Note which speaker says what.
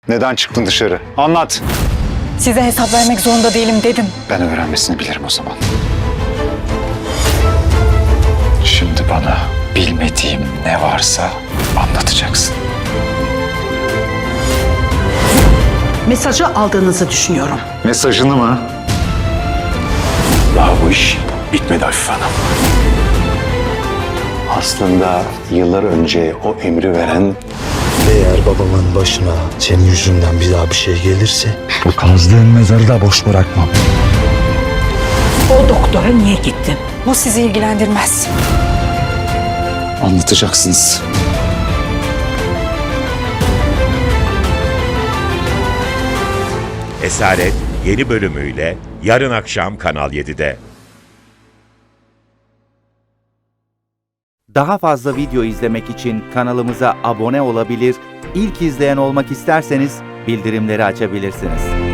Speaker 1: Neden çıktın dışarı? Anlat.
Speaker 2: Size hesap vermek zorunda değilim dedim.
Speaker 1: Ben öğrenmesini bilirim o zaman. Şimdi bana bilmediğim ne varsa anlatacaksın.
Speaker 3: Mesajı aldığınızı düşünüyorum.
Speaker 1: Mesajını mı? Daha bu iş bitmedi Afife Hanım. Aslında yıllar önce o emri veren
Speaker 4: Eğer babamın başına senin yüzünden bir daha bir şey gelirse
Speaker 5: Bu kazdığın mezarı da boş bırakmam.
Speaker 3: O doktora niye gittin?
Speaker 2: Bu sizi ilgilendirmez.
Speaker 1: anlatacaksınız.
Speaker 6: Esaret yeni bölümüyle yarın akşam Kanal 7'de.
Speaker 7: Daha fazla video izlemek için kanalımıza abone olabilir, ilk izleyen olmak isterseniz bildirimleri açabilirsiniz.